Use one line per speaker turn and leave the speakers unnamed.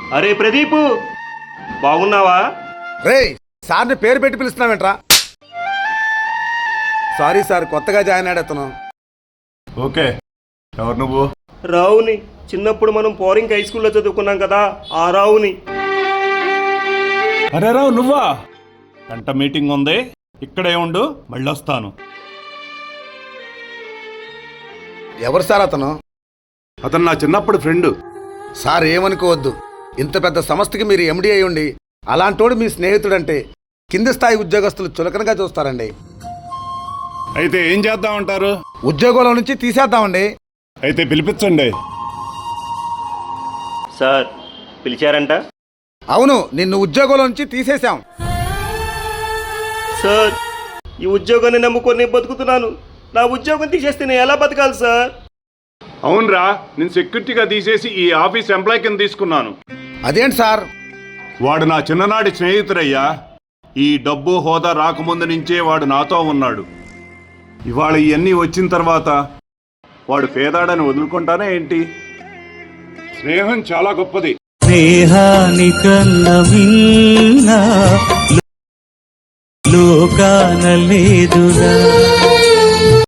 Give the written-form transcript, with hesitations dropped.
అరే ప్రదీపు, బాగున్నావా?
రేయ్, సార్ని పేరు పెట్టి పిలుస్తున్నావేంట్రా? సారీ సార్, కొత్తగా జాయిన్ అయ్యాడు అతను.
ఓకే, ఎవరు నువ్వు?
రావుని. చిన్నప్పుడు మనం పోరింగ్ హై స్కూల్లో చదువుకున్నాం కదా, ఆ రావుని.
అరే రావు, నువ్వా? గంట మీటింగ్ ఉంది, ఇక్కడే ఉండు, మళ్ళీ వస్తాను.
ఎవరు సార్ అతను?
అతను నా చిన్నప్పుడు ఫ్రెండ్.
సార్ ఏమనుకోవద్దు, ఇంత పెద్ద సంస్థకి మీరు ఎండి అయి ఉండి అలాంటోడు మీ స్నేహితుడంటే కింది స్థాయి ఉద్యోగస్తులు చులకనగా చూస్తారండి.
అయితే ఏం చేద్దామంటారు?
ఉద్యోగంలో నుంచి తీసేద్దామండి.
అయితే పిలిపించండి.
సార్ పిలిచారంట?
అవును, నిన్ను ఉద్యోగంలో నుంచి తీసేశాం.
సార్, ఈ ఉద్యోగాన్ని నమ్ముకొని బతుకుతున్నాను. నా ఉద్యోగం తీసేస్తే నేను ఎలా బతకాలి సార్?
అవునరా, నేను సెక్యూరిటీగా తీసేసి ఈ ఆఫీస్ ఎంప్లాయ్ కింద తీసుకున్నాను.
అదేంటి సార్?
వాడు నా చిన్ననాటి స్నేహితుడయ్యా. ఈ డబ్బు హోదా రాకముందు నుంచే వాడు నాతో ఉన్నాడు. ఇవాళ ఇవన్నీ వచ్చిన తర్వాత వాడు పేదాడని వదులుకుంటానే ఏంటి? స్నేహం చాలా గొప్పది.
స్నేహానికన్న మిన్న లోకాన లేదురా.